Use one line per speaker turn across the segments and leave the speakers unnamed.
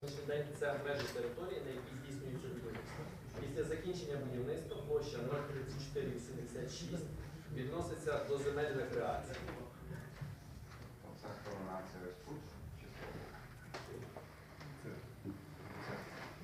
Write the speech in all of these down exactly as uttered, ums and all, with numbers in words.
Сьогоднішній день це межі території, на якій здійснюється будівництво. Після закінчення будівництва площа нуль тридцять чотири вісімдесят шість відноситься до земель рекреації.
Оце сторона це ось тут чи це?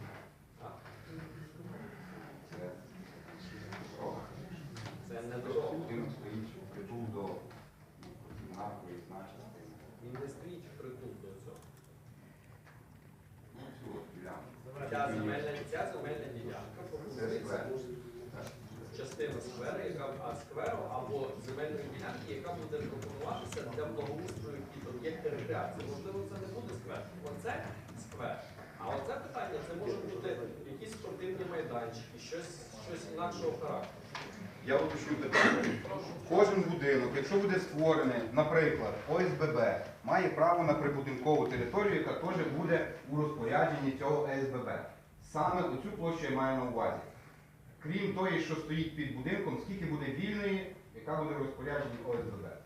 Це дорога.
Це не дорога.
Будинок стоїть впритул до наркової значності.
Він не стоїть впритул до цього.
Ну, цю от ділянку.
Ця земельна, ця земельна ділянка пропонується частина скверу, яка а скверу або земельної ділянки, яка буде пропонуватися для благоустрою під об'єкти рекреації. Можливо, це не буде сквер. Оце сквер. А оце питання, це може бути якісь спортивні майданчики, щось, щось інакшого характеру.
Я уточню питання. Кожен будинок, якщо буде створений, наприклад, О С Б Б, має право на прибудинкову територію, яка теж буде у розпорядженні цього О С Б Б. Саме оцю площу я маю на увазі. Крім тої, що стоїть під будинком, скільки буде вільної, яка буде в розпорядженні О С Б Б.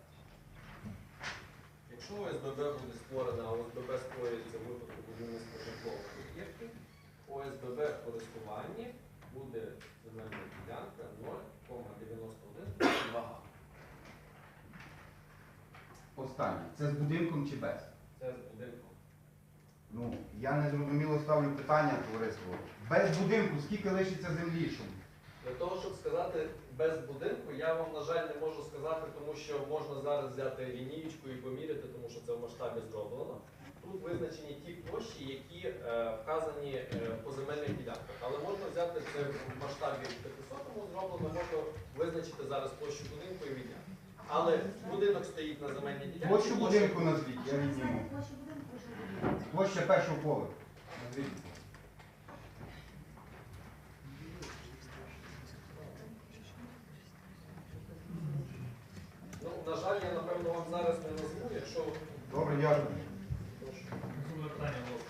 Якщо О С Б Б буде створена, а О С Б Б створюється в випадку будівництва житлових об'єктів, О С Б Б в користуванні буде земельна ділянка нуль кома дев'яносто один два га.
Останнє. Це з будинком чи без?
Це з будинком.
Ну, я не зрозуміло ставлю питання, товариство. Без будинку скільки лишиться землі? Щоб...
Для того, щоб сказати без будинку, я вам, на жаль, не можу сказати, тому що можна зараз взяти лінієчку і поміряти, тому що це в масштабі зроблено. Тут визначені ті площі, які е, вказані е, по земельних ділянках. Але можна взяти це в масштабі п'ятисотому зроблено, можна визначити зараз площу будинку і відняти. Але будинок стоїть на земельній ділянці.
Площу будинку назвіть, я відніму. Площа першого поверху. Назвіть.
Ну, на жаль, я, напевно, вам зараз не назву, якщо...
Добре, дякую.
Прошу.
Наступне питання.